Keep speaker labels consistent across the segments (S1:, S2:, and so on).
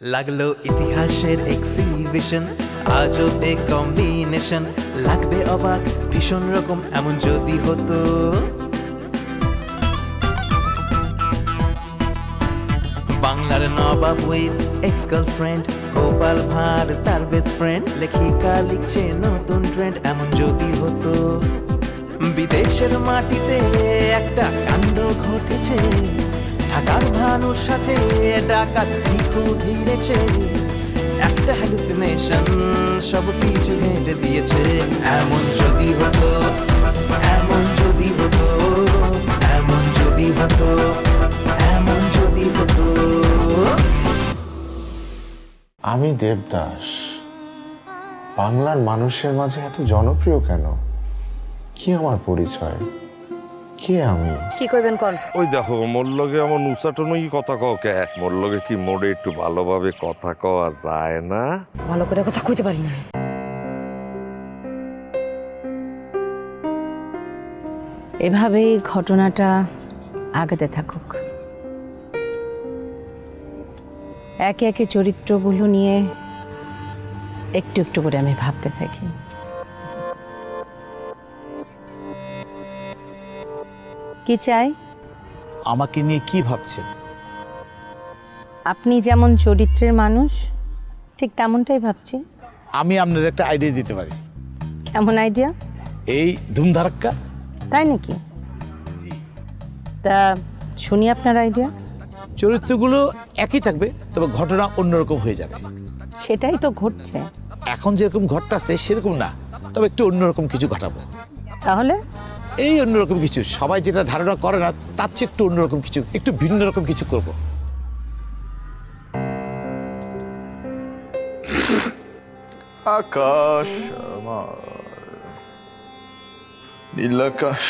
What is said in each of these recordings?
S1: লাগলো ইতিহাসের exhibition, আজবে combination, লাগবে অবাক ভীষণ রকম এমন যদি হতো। বাংলার নবাব with ex girlfriend, Gopal Bhar তার বেস্ট ফ্রেন্ড, লেখিকা লিখছে নতুন ট্রেন্ড এমন যদি হতো। বিদেশের মাটিতে একটা কাণ্ড ঘটেছে, ঢাকার ভানুর সাথে ডাকাত ভিখু ভিড়েছে, একটা হ্যালুসিনেশন সব কিছু হেঁটে দিয়েছে। এমন যদি হতো, এমন যদি হতো, এমন যদি হতো, এমন যদি হতো।
S2: আমি দেবদাস বাংলার মানুষের মাঝে এত জনপ্রিয় কেন? কি আমার পরিচয়? কে আমি?
S3: কি কইবেন কোন?
S4: ওই দেখো মোর লগে আমার উচাটনই কথা কও কে? মোর লগে কি মোড়ে একটু ভালোভাবে কথা কওয়া যায় না?
S3: ভালো করে কথা কইতে পারি না। এভাবেই ঘটনাটা আগাতে থাকুক, একে একে চরিত্রগুলো নিয়ে একটু একটু করে আমি ভাবতে থাকি। কি চাই?
S5: আমাকে নিয়ে কি ভাবছেন?
S3: আপনি যেমন চরিত্রের মানুষ ঠিক তেমনটাই ভাবছি।
S5: আমি আপনার একটা আইডিয়া দিতে পারি।
S3: কেমন আইডিয়া?
S5: এই ধুমধারাক্কা।
S3: তাই নাকি? তা শুনি আপনার আইডিয়া।
S5: চরিত্রগুলো একই থাকবে, তবে ঘটনা অন্যরকম হয়ে যাবে।
S3: সেটাই তো ঘটছে।
S5: এখন যেরকম ঘটতেছে সেরকম না, তবে একটু অন্যরকম কিছু ঘটাবো।
S3: তাহলে
S5: এই অন্যরকম কিছু সবাই যেটা ধারণা করে না তার চেয়ে একটু অন্যরকম কিছু, একটু ভিন্ন রকম কিছু করব।
S2: আকাশ আমার, নীল আকাশ।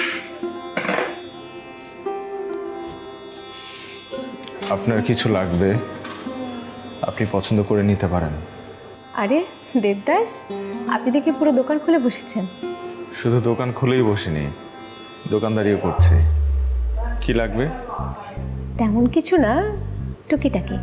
S2: আপনার কিছু লাগবে আপনি পছন্দ করে নিতে পারেন।
S6: আরে দেবদাস, আপনি দেখি পুরো দোকান খুলে বসেছেন।
S2: শুধু দোকান খুলেই বসিনি, দোকানদারিও করছি। কি লাগবে?
S6: তেমন কিছু না, টুকিটাকি।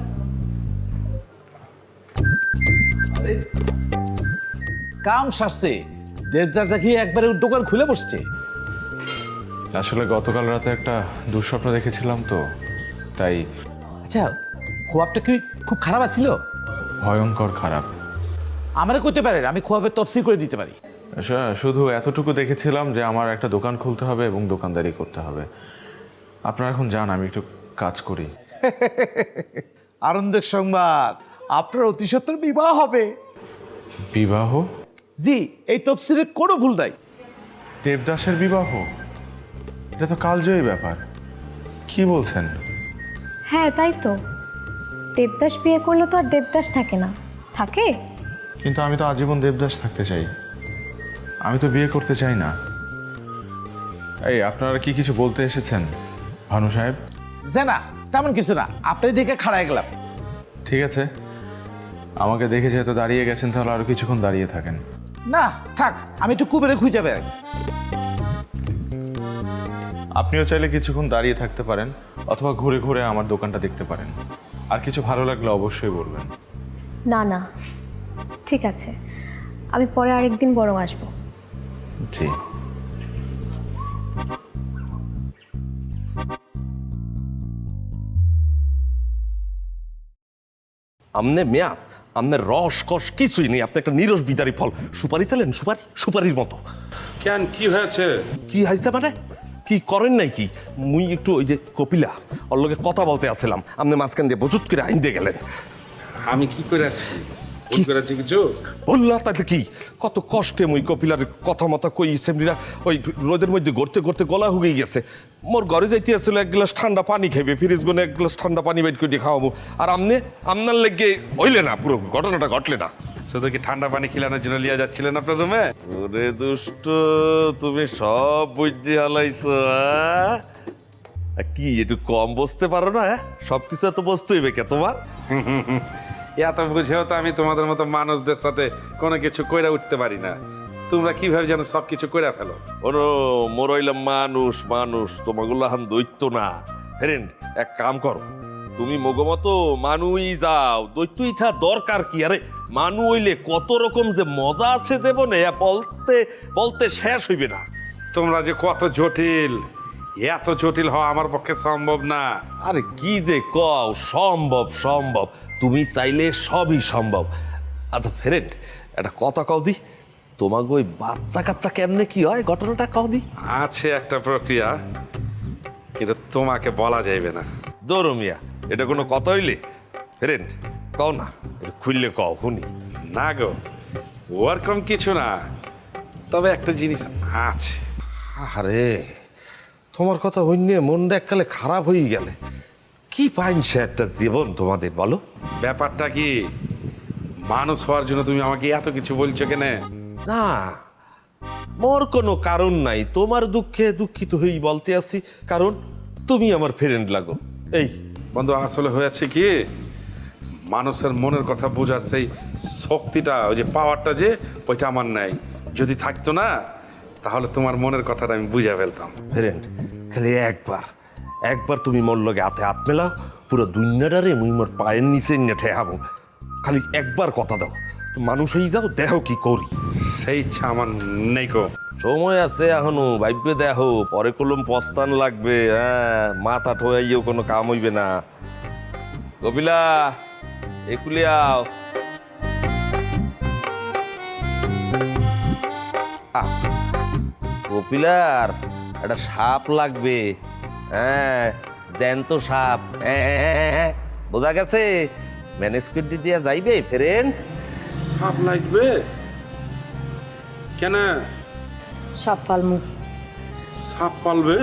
S5: কাম সারছে, দেবদাসটা কি একবারে দোকান খুলে বসছে?
S2: আসলে গতকাল রাতে একটা দুঃস্বপ্ন দেখেছিলাম তো, তাই।
S5: আচ্ছা, খোয়াবটা কি খুব খারাপ আছিল?
S2: ভয়ঙ্কর খারাপ।
S5: আমারে করতে পারেন, আমি খোয়াবের তফসিল করে দিতে পারি।
S2: শুধু এতটুকু দেখেছিলাম যে আমার একটা দোকান খুলতে হবে এবং দোকানদারি করতে হবে। আপনারা এখন যান, আমি একটু কাজ করি।
S5: আনন্দের সংবাদ, আপনার অতি সত্বর বিবাহ হবে।
S2: বিবাহ?
S5: জি, এই তফসিলের কোনো ভুল নাই।
S2: দেবদাসের বিবাহ? এটা তো কালজয়ী ব্যাপার। কি বলছেন?
S6: হ্যাঁ তাই তো, দেবদাস বিয়ে করলে তো আর দেবদাস থাকে না, থাকে?
S2: কিন্তু আমি তো আজীবন দেবদাস থাকতে চাই, আমি তো বিয়ে করতে চাই না। এই আপনারা কি কিছু বলতে এসেছেন ভানু সাহেব?
S5: যে না, তেমন কিছু না, আপনি দেখে খাড়ায় গেলাম।
S2: ঠিক আছে, আমাকে দেখে যেহেতু দাঁড়িয়ে গেছেন তাহলে আরো কিছুক্ষণ দাঁড়িয়ে থাকেন।
S5: না থাক, আমি একটু কুবেরে খুঁজে বেড়াই।
S2: আপনিও চাইলে কিছুক্ষণ দাঁড়িয়ে থাকতে পারেন, অথবা ঘুরে ঘুরে আমার দোকানটা দেখতে পারেন। আর কিছু ভালো লাগলে অবশ্যই বলবেন।
S6: না না, ঠিক আছে, আমি পরে আরেকদিন বরং আসবো।
S2: জি।
S4: আমনে মেয়া, আমনের রস কস কিছুই নেই, আপনি একটা নিরস বিদারি ফল। সুপারি চালেন, সুপারির মতো।
S7: কেন, কি হয়েছে?
S4: কি হয়েছে মানে? কি করেন নাই কি? মুই একটু ওই যে কপিলা ওর লগে কথা বলতে আসছিলাম, আপনি মাঝখান দিয়ে বজুত করে আইন দিয়ে গেলেন।
S7: আমি কি করেছি? কি করেছি কিছু?
S4: বললা তাহলে কি? কত কষ্টে মুই কপিলার কথা মতো কই সেমনিরা ওই রোদের মধ্যে গড়তে গড়তে গলা হুগেই গেছে। মোর ঘরে যাইতে আসছিল এক গ্লাস ঠান্ডা পানি খাইবে, ফ্রিজ গুনে এক গ্লাস ঠান্ডা পানি বাইট করে খাওয়াবো, আর আপনার লেগে হইলে না, পুরো ঘটনাটা ঘটলে না।
S7: শুধু কি ঠান্ডা পানি খিলানোর জন্য লিয়া যাচ্ছিলেন আপনার রুমে?
S4: ওরে দুষ্ট, তুমি সব বুঝে হালাইছো। কি একটু কম বসতে পারো না? সবকিছু এত বসতে হইবে কে তোমার?
S7: এত বুঝেও তো আমি তোমাদের মতো মানুষদের সাথে কোনো কিছু কইরা উঠতে পারি না। তোমরা কিভাবে যেন সব কিছু কইরা ফেলো।
S4: ওরো মোর হইলাম মানুষ, তোমাগুলো হান দৈত্য না। ফ্রেন্ড, এক কাম করো, তুমি মগমতো মানুই যাও দৈত্যই থা দরকার কি? আরে মানু হইলে কত রকম যে মজা আছে জীবনে বলতে বলতে শেষ হইবে না।
S7: তোমরা যে কত জটিল, এত জটিল হওয়া আমার পক্ষে সম্ভব না।
S4: আরে কি যে কও, সম্ভব সম্ভব, তুমি চাইলে সবই সম্ভব। আচ্ছা ফ্রেন্ড, একটা কথা কও দি, তোমাকে ওই বাচ্চা কাচ্চা কেমনে কি হয় ঘটনাটা কও দি।
S7: আছে একটা প্রক্রিয়া, কিন্তু তোমাকে বলা যাইবে না।
S4: দৌড়ো মিয়া, এটা কোনো কথা হইলে? ফ্রেন্ড কও না, একটু খুললে কও শুনি।
S7: না গো, ওরকম কিছু না, তবে একটা জিনিস আছে।
S4: আরে তোমার কথা হইনে মনটা এককালে খারাপ হয়ে গেলে। কি পাইনছে একটা জীবন তোমাদের, বলো।
S7: ব্যাপারটা কি, মানুষ হওয়ার জন্য তুমি আমাকে এত কিছু বলছো কেনে?
S4: না, মোর কোনো কারণ নাই, তোমার দুঃখে দুঃখিত হয়েই বলতে আসি, কারণ তুমি আমার ফ্রেন্ড লাগো। এই
S7: বন্ধু, আসলে হয়েছে কি, মানুষের মনের কথা বোঝার সেই শক্তিটা, ওই যে পাওয়ারটা, যে ওইটা আমার নাই। যদি থাকতো না, তাহলে তোমার মনের কথাটা আমি বুঝে ফেলতাম।
S4: ফ্রেন্ড, খালি একবার একবার তুমি মোর লগে হাতে হাত মেলাও, পুরো দুনিয়াটারে মুই মোর পায়ের নিচে নিয়ে ঠেহাবো। খালি একবার কথা দাও, মানুষ হয়ে যাও, দেহ কি করি।
S7: সেই ইচ্ছা আমার নেই গো।
S4: সময় আছে এখনো, ভাইবে দেখো, পরে কলম পস্তান লাগবে। হ্যাঁ, মাথা ঠোয়াইও কোনো কাম হইবে না। কপিলা, একুলে আও। কপিলার একটা সাপ লাগবে। হ্যাঁ, জ্যান্ত সাপ। বোঝা গেছে? ম্যানেজ করে দিয়া যাইবে ফ্রেন্ড?
S7: সাপ লাগবে কেন?
S6: সাপ পালমু।
S7: সাপ পালবে?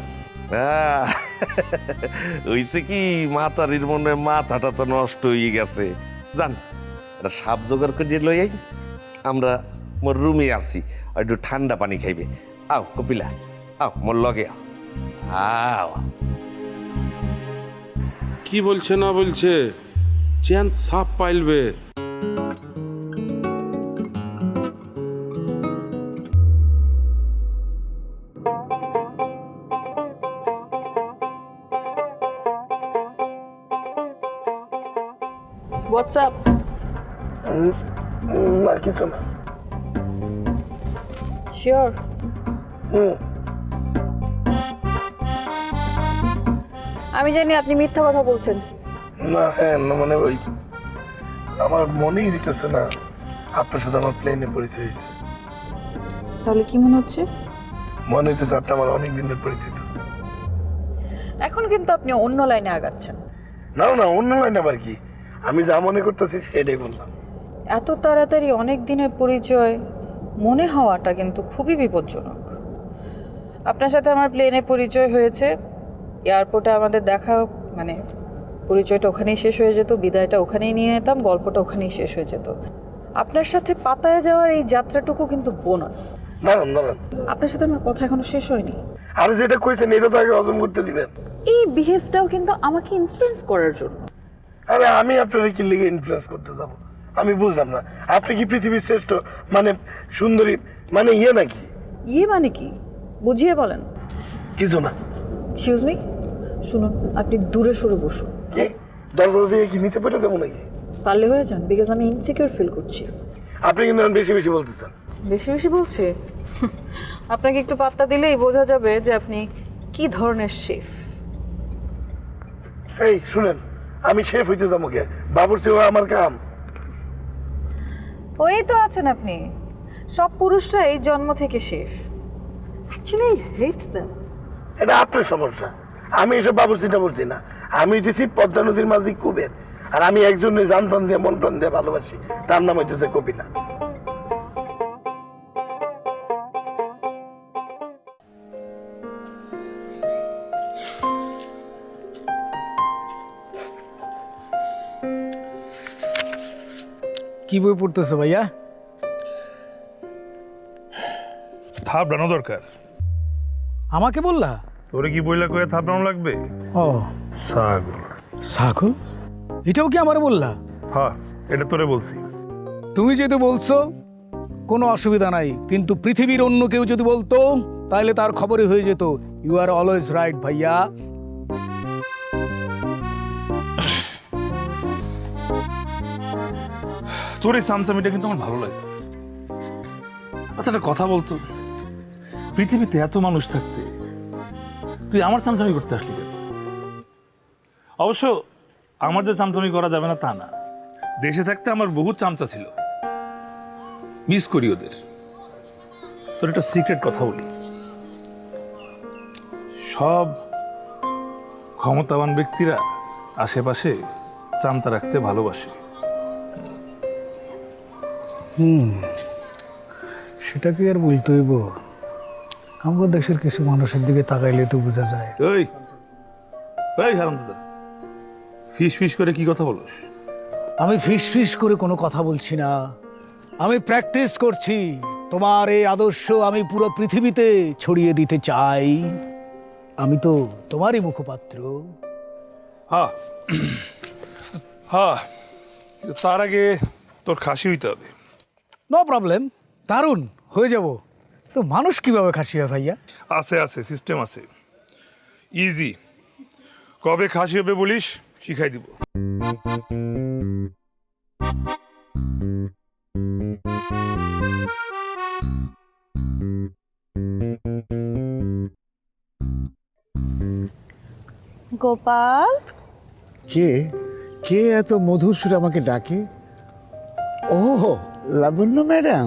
S4: হইছে কি, মাতারির মনে মাথাটা তো নষ্ট হয়ে গেছে। জান, একটা সাপ জোগাড় করে লই আই, আমরা মোর রুমে আসি, আর একটু ঠান্ডা পানি খাইবে। আও কপিলা, আও মোর লগে আও। আও
S7: কি বলছে না বলছে, চেন সাপ পাইলবে?
S3: What's up?
S8: না কিছু না।
S3: Sure. আমি জানি আপনি মিথ্যা কথা বলছেন।
S8: না হ্যাঁ না, মানে ওই আমার মনেই দিতেছে না আপনার সাথে আমার প্লেনে পরিচয় হয়েছে।
S3: তাহলে কি মনে হচ্ছে?
S8: মনে হইতেছে আপনি আমার অনেক দিনের পরিচিত।
S3: এখন কিন্তু আপনি অন্য লাইনে আগাচ্ছেন।
S8: না না, অন্য লাইন আবার কি, আমি যা মনে করতেছি সেটাই বললাম।
S3: এত তাড়াতাড়ি অনেক দিনের পরিচয় মনে হওয়াটা কিন্তু খুবই বিপজ্জনক। আপনার সাথে আমার প্লেনে পরিচয় হয়েছে, এয়ারপোর্টে আমাদের দেখা, মানে পরিচয়টা ওখানেই শেষ হয়ে যেত, বিদায়টা ওখানেই নিয়ে নিতাম, গল্পটা ওখানেই শেষ হয়ে যেত। আপনার সাথে পাতায় যাওয়ার এই যাত্রাটুকু কিন্তু বোনাস।
S8: দাঁড়ান দাঁড়ান,
S3: আপনার সাথে আমার কথা এখনো শেষ হয়নি।
S8: আর যেটা কইছেন এটা তো আগে হজম করতে দিবেন।
S3: এই বিহেভটাও কিন্তু আমাকে ইনফ্লুয়েন্স করার জন্য।
S8: আরে আমি আপনার কি লিগে ইনফ্লুয়েন্স করতে যাব? আমি বুঝলাম না, আপনি কি পৃথিবীর শ্রেষ্ঠ মানে সুন্দরী মানে ইয়ে নাকি?
S3: ইয়ে মানে কি বুঝিয়ে বলেন।
S8: কিছু না।
S3: এক্সকিউজ মি, শুনুন, আপনি দূরে সরে বসুন।
S8: কি দরজা দিয়ে কি নিচে পড়ে যাবো নাকি?
S3: পারলে হয়ে যান, বিকজ আমি ইনসিকিউর ফিল করছি।
S8: আপনি কিন্তু এখন বেশি বেশি বলতেছেন।
S3: বেশি বেশি বলছে? আপনাকে একটু পাত্তা দিলেই বোঝা যাবে যে আপনি কি ধরনের শেফ।
S8: এই শুনেন, আমি শেফ হইতে যাবো কে? বাবুর্চি হওয়া আমার কাম।
S3: ওই তো আছেন আপনি, সব পুরুষরাই জন্ম থেকে chef. Actually I hate them.
S8: এটা আপনার সমস্যা, আমি এসব বাবুর্চিটা বলছি না। আমি হইতেছি পদ্মা নদীর মাঝি কুবের, আর আমি একজনের জান প্রাণ দিয়ে মন প্রাণ দিয়ে ভালোবাসি, তার নাম হইতেছে কপিলা।
S9: কি বই পড়তেছো ভাইয়া?
S10: থাপড়ানো দরকার।
S9: আমাকে বললা?
S10: তোরে কি বইলা কয়ে থাপড়ানো লাগবে?
S9: ও
S10: ছাগল।
S9: ছাগল? এটাও কি আমারে বললা?
S10: হ্যাঁ, এটা তোরে বলছি।
S9: তুমি যেহেতু বলছো কোনো অসুবিধা নাই, কিন্তু পৃথিবীর অন্য কেউ যদি বলতো তাহলে তার খবরই হয়ে যেত। ইউ আর অলওয়েজ রাইট ভাইয়া।
S10: তোর এই চামচামিটা কিন্তু আমার ভালো লাগে। আচ্ছা, একটা কথা বলতো, পৃথিবীতে এত মানুষ থাকতে তুই আমার চামচামি করতে আসলি কেন? অবশ্য আমার যে চামচামি করা যাবে না তা না, দেশে থাকতে আমার বহু চামচা ছিল, মিস করি ওদের। তোর একটা সিক্রেট কথা বলি, সব ক্ষমতাবান ব্যক্তিরা আশেপাশে চামচা রাখতে ভালোবাসে।
S9: সেটা কি আর বলতে হইব? আমাদের দেশের কিছু মানুষের দিকে তাকাইলে তো বোঝা যায়।
S10: এই হারামজাদা, ফিস ফিস করে কি কথা বলস?
S9: আমি ফিস ফিস করে কোনো কথা বলছি না, আমি প্র্যাকটিস করছি। তোমার এই আদর্শ আমি পুরো পৃথিবীতে ছড়িয়ে দিতে চাই। আমি তো তোমারই মুখপাত্র।
S10: হ্যাঁ হ্যাঁ, কিন্তু তার আগে তোর খাসি হইতে হবে।
S9: নো প্রবলেম, দারুণ হয়ে যাব। তো মানুষ কিভাবে খাসি হয় ভাইয়া?
S10: আছে আছে, সিস্টেম আছে, ইজি। কবে খাসি হবে বলিস, শিখাই দিব।
S3: গোপাল,
S5: কে কে এত মধুর সুরে আমাকে ডাকে? ও, লাবণ্য ম্যাডাম।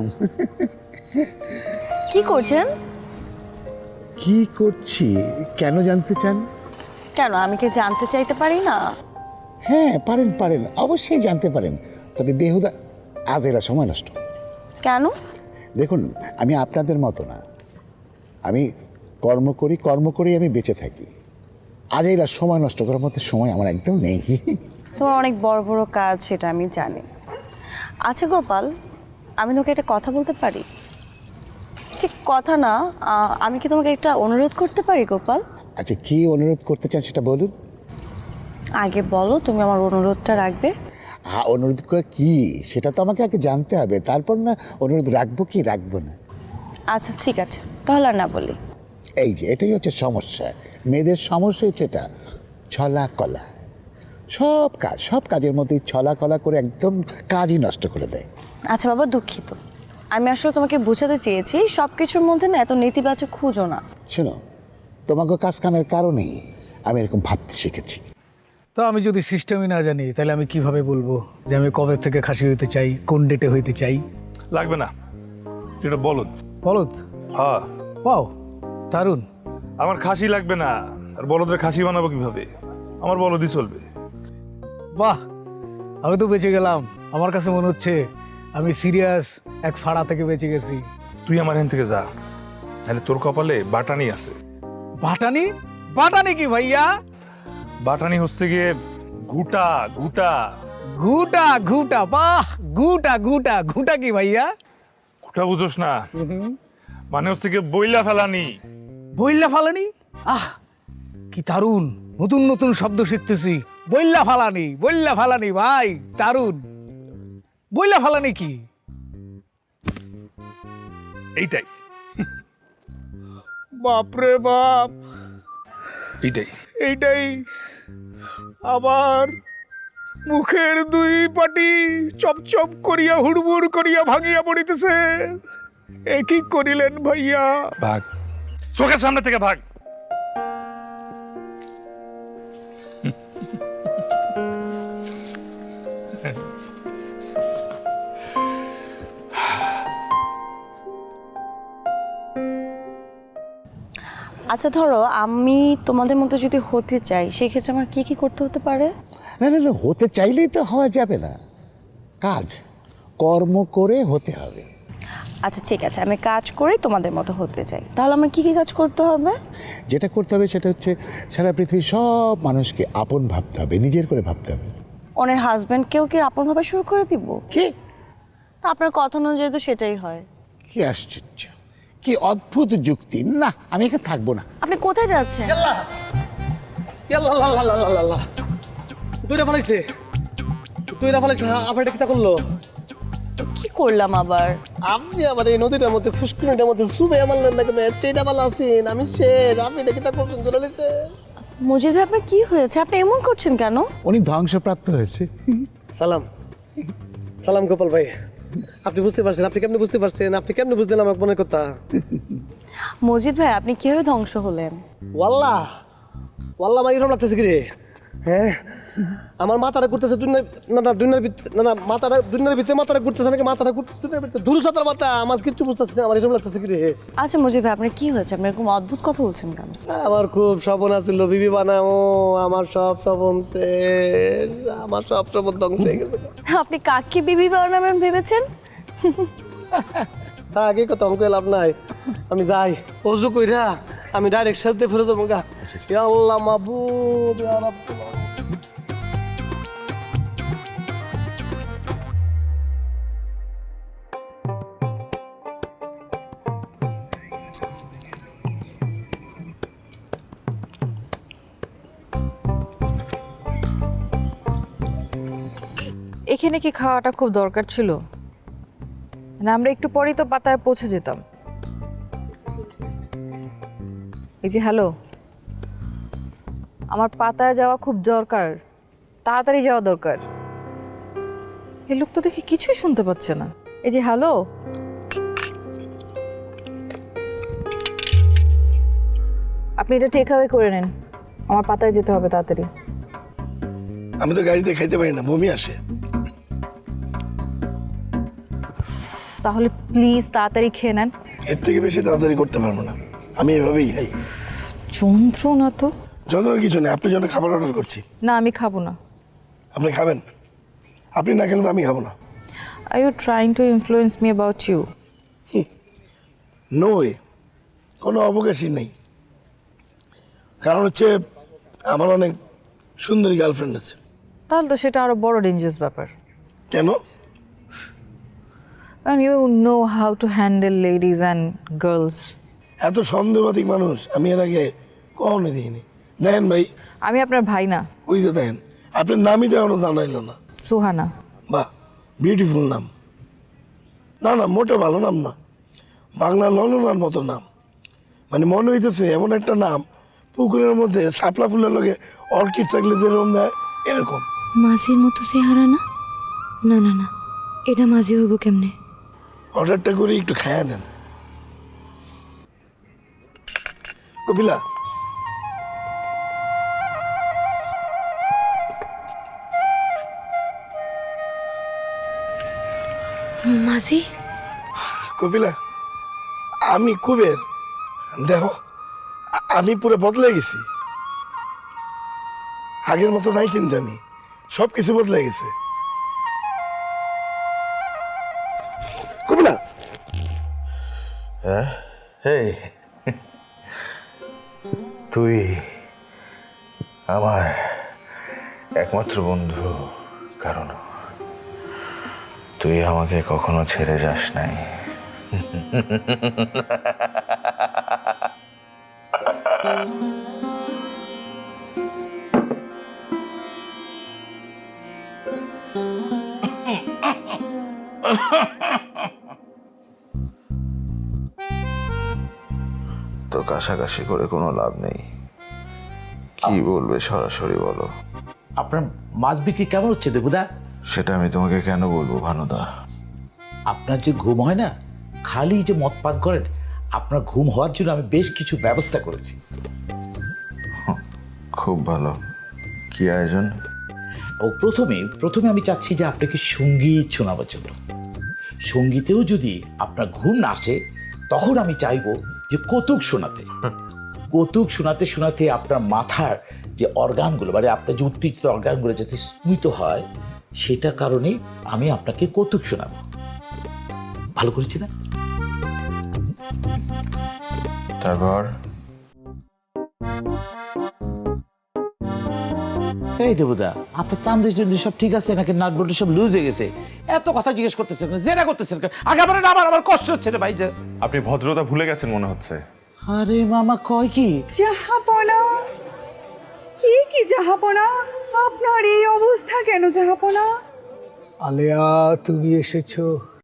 S6: কি করছেন?
S5: কি করছি কেন জানতে চান?
S6: কেন, আমি কি জানতে চাইতে পারি না?
S5: হ্যাঁ, পারেন পারেন, অবশ্যই জানতে পারেন, তবে বেহুদা আজ এরা সময় নষ্ট।
S6: কেন?
S5: দেখুন, আমি আপনাদের মতো না, আমি কর্ম করি আমি বেঁচে থাকি। আজ এরা সময় নষ্ট করার মতো সময় আমার একদম নেই।
S6: তোমার অনেক বড় বড় কাজ, সেটা আমি জানি। আচ্ছা গোপাল, আমি তোমাকে একটা কথা বলতে পারি? ঠিক কথা না, আমি কি তোমাকে একটা অনুরোধ করতে পারি গোপাল?
S5: আচ্ছা, কি অনুরোধ করতে চান সেটা বলুন।
S6: আগে বলো, তুমি আমার অনুরোধটা রাখবে?
S5: অনুরোধ করে কি সেটা তো আমাকে আগে জানতে হবে, তারপর না অনুরোধ রাখবো কি রাখবো না।
S6: আচ্ছা ঠিক আছে, তাহলে আর না বলি।
S5: এই যে এটাই হচ্ছে সমস্যা, মেয়েদের সমস্যা হচ্ছে এটা, ছলা কলা। সব কাজের মধ্যে ছলা কলা করে একদম কাজই নষ্ট করে দেয়।
S6: আচ্ছা বাবা, দুঃখিত। আমি আসলে তোমাকে বোঝাতে চেয়েছি সব কিছুর মধ্যে না এত নেতিবাচক খুঁজো না।
S5: শোনো, তোমাকে কাজ কামের কারণেই আমি এরকম ভাবতে শিখেছি।
S9: তো আমি যদি সিস্টেমই না জানি, তাহলে আমি কিভাবে বলবো যে আমি কবে থেকে খাসি হইতে চাই, কোন ডেটে হইতে চাই?
S10: লাগবে না, যেটা বলদ।
S9: বলদ?
S10: হ্যাঁ।
S9: ওয়াও, দারুণ।
S10: আমার খাসি লাগবে না, আর বলদের খাসি বানাবো কিভাবে? আমার বলদই চলবে।
S9: বাহ, আমি তো বেঁচে গেলাম। আমার কাছে মনে হচ্ছে আমি সিরিয়াস এক ফাড়া থেকে বেঁচে গেছি।
S10: তুই আমার এখান থেকে যা, তাহলে তোর কপালে বাটানি আছে।
S9: বাটানি? বাটানি কি ভাইয়া?
S10: বাটানি হচ্ছে গিয়ে ঘুটা ঘুটা
S9: ঘুটা ঘুটা, বাহ, ঘুটা ঘুটা ঘুটা কি ভাইয়া?
S10: ঘুটা বুঝোস না, মানে হচ্ছে গিয়ে বইলা ফেলানি।
S9: বইল্লা ফালানি? আহ, কি দারুণ, নতুন নতুন শব্দ শিখতেছি। বইল্লা ফালানি, বইল্লা ফালানি, ভাই দারুণ। বইল্লা ফালানি কি?
S10: এইটাই
S9: বাপরে বাপ,
S10: এইটাই
S9: এইটাই আবার মুখের দুই পাটি চপচপ করিয়া হুড়মুড় করিয়া ভাঙিয়া পড়িতেছে। এ কি করিলেন ভাইয়া?
S10: ভাগ, চোখের সামনে থেকে ভাগ।
S6: আচ্ছা ধরো আমি তোমাদের মতো যদি হতে চাই, সেই ক্ষেত্রে আমার কি কি করতে হতে পারে?
S5: না না না, হতে চাইলেই তো হওয়া যাবে না, কর্ম করে হতে হবে।
S6: আচ্ছা ঠিক আছে, আমি কাজ করে তোমাদের মতো হতে চাই, তাহলে আমার কি কি কাজ করতে হবে?
S5: যেটা করতে হবে সেটা হচ্ছে সারা পৃথিবীর সব মানুষকে আপন ভাবতে হবে, নিজের করে ভাবতে হবে।
S6: ওনার হাজব্যান্ডকেও কি আপন ভাবে শুরু করে দিব?
S5: কি?
S6: তা আপনার কথা অনুযায়ী তো সেটাই হয়।
S5: কি আশ্চর্য, কি অদ্ভুত যুক্তি! না, আমি এখানে থাকবো না।
S6: আপনি কোথায় যাচ্ছেন? কি করলাম আবার?
S8: আপনি আবার এই নদীটার মধ্যে ফুসকুনিটার মধ্যে সুবে মারলেন না কেন? চেটা ভালো আছেন, আমি শেষ, আপনি এটা কিতা করছেন ধরে লিছে?
S6: মজিদ ভাই, আপনার কি হয়েছে? আপনি এমন করছেন কেন?
S5: উনি ধ্বংসপ্রাপ্ত হয়েছে।
S8: সালাম
S11: সালাম গোপাল ভাই, আপনি বুঝতে পারছেন? আপনি কেমনে বুঝতে পারছেন? আপনি কেমনে বুঝলেন আমার মনের কথা?
S6: মজিদ ভাই, আপনি কিভাবে ধ্বংস হলেন?
S11: ওয়াল্লাহ ওয়াল্লাহ আমার এরকম লাগতেছে কি রে? হ্যাঁ, আমার মাথাটা ঘুরতেছে দুনিয়ার ভিতরে মাথাটা ঘুরতেছে নাকি মাথাটা ঘুরতেছে দুনিয়ার ভিতরে দূর সাঁতার মাথা, আমার কিচ্ছু বুঝতেছি না, আমার এরকম লাগতেছে কি রে?
S6: আচ্ছা মজিদ ভাই, আপনার কি হয়েছে? আপনি এরকম অদ্ভুত কথা বলছেন কেন?
S11: আমার খুব স্বপ্ন আছিল বিবি বানাবো, আমার সব স্বপ্ন শেষ, আমার সব স্বপ্ন ধ্বংস হয়ে গেছে।
S6: আপনি কাকে বিবি বানাবেন ভেবেছেন?
S11: তার আগে কত অঙ্ক লাভ নাই, আমি যাই অজু কইরা আমি ডাইরেক্ট সাথে ফেরত দেবো গা। ইয়া আল্লাহ মাবুদ, ইয়া রাব্বুল আলামিন।
S3: এখানে কি খাওয়াটা খুব দরকার ছিল? না আমরা একটু পরেই তো পাতায় পৌঁছে যেতাম। এই যে হ্যালো, আমার পাতায় যাওয়া খুব দরকার, তাড়াতাড়ি যাওয়া দরকার। এই লোক তো দেখি কিছুই শুনতে পাচ্ছে না। এই যে হ্যালো, আপনি এটা টেক অ্যাওয়ে করে নেন, আমার পাতায় যেতে হবে তাড়াতাড়ি।
S8: আমি তো গাড়িতে খাইতে পারি না, বমি আসে।
S3: তাহলে প্লিজ তাড়াতাড়ি খেয়ে নেন।
S8: এর থেকে বেশি তাড়াতাড়ি করতে পারবো না, আমি এভাবেই খাই।
S3: যন্ত্রণা তো।
S8: যন্ত্রণার কিছু নেই, আপনার জন্য খাবার অর্ডার করছি।
S3: না, আমি খাবো না।
S8: আপনি খাবেন? আপনি না খেলে তো আমি খাবো না।
S3: Are you trying to influence me about you?
S8: No way, কোনো অবকাশই নেই। কারণ হচ্ছে আমার অনেক সুন্দরী গার্লফ্রেন্ড আছে।
S3: তাহলে তো সেটা আরো বড় ডেঞ্জারাস ব্যাপার।
S8: কেন?
S3: And you know how to handle ladies and girls.
S8: এত সন্দেহবাদী মানুষ আমি এর আগে কখনো দেখিনি। দেখেন ভাই,
S3: আমি আপনার ভাই না।
S8: ওই যে দেখেন, আপনার নামই তো এখনো জানাইলো না।
S3: সুহানা।
S8: বাহ, বিউটিফুল নাম। না না, মোটে ভালো নাম না, বাংলা ললনার মতো নাম। মানে মনে হইতেছে এমন একটা নাম, পুকুরের মধ্যে শাপলা ফুলের লগে অর্কিড থাকলে যেরকম দেয় এরকম।
S12: মাঝির মতো চেহারা না? না না না, এটা মাঝি হইব কেমনে?
S8: অর্ডারটা করে একটু খায়া নেন। কপিলা,
S12: মাঝি?
S8: কপিলা, আমি কুবের। দেখো, আমি পুরো বদলে গেছি। আগের মতো নাই কিন্তু, আমি সব কিছু বদলে গেছে। কপিলা,
S2: এই তুই আমার একমাত্র বন্ধু, কারণ তুই আমাকে কখনো ছেড়ে যাস নাই। তো কাশাকাশি করে কোনো লাভ নেই, কি বলবে সরাসরি বলো।
S5: আপনার মাছ বিক্রি কেমন হচ্ছে দেবুদা?
S2: সেটা আমি তোমাকে কেন বলবো ভানুদা?
S5: আপনার যে ঘুম হয় না, খালি যে মদ পান করেন, আপনার ঘুম হওয়ার জন্য আমি বেশ কিছু ব্যবস্থা করেছি।
S2: খুব ভালো, কি আয়োজন?
S5: ও প্রথমে আমি চাচ্ছি যে আপনাকে সঙ্গীত শোনাবার জন্য। সঙ্গীতেও যদি আপনার ঘুম না আসে, তখন আমি চাইবো যে কৌতুক শোনাতে। কৌতুক শোনাতে শোনাতে আপনার মাথার যে অর্গানগুলো, মানে আপনার যে উত্তেজিত অর্গানগুলো যাতে স্মিত হয়, সেটার কারণে আমি আপনাকে কৌতুক শোনাবো। ভালো করেছি না?
S2: তারপর
S5: এই দেবুদা, আপনার চান্দিস সব ঠিক আছে নাকি? নাট বল্টু সব লুজ হয়ে গেছে? এত কথা জিজ্ঞেস করতেছেন, জেরা করতেছেন কেন? আগে আমার কষ্ট হচ্ছে রে ভাই। যে
S2: আপনি ভদ্রতা ভুলে গেছেন মনে হচ্ছে।
S5: আরে মামা কয় কি?
S13: জাহাপনা, কি জাহাপনা, আপনার এই অবস্থা কেন জাহাপনা?
S9: আলেয়া, তুমি এসেছো।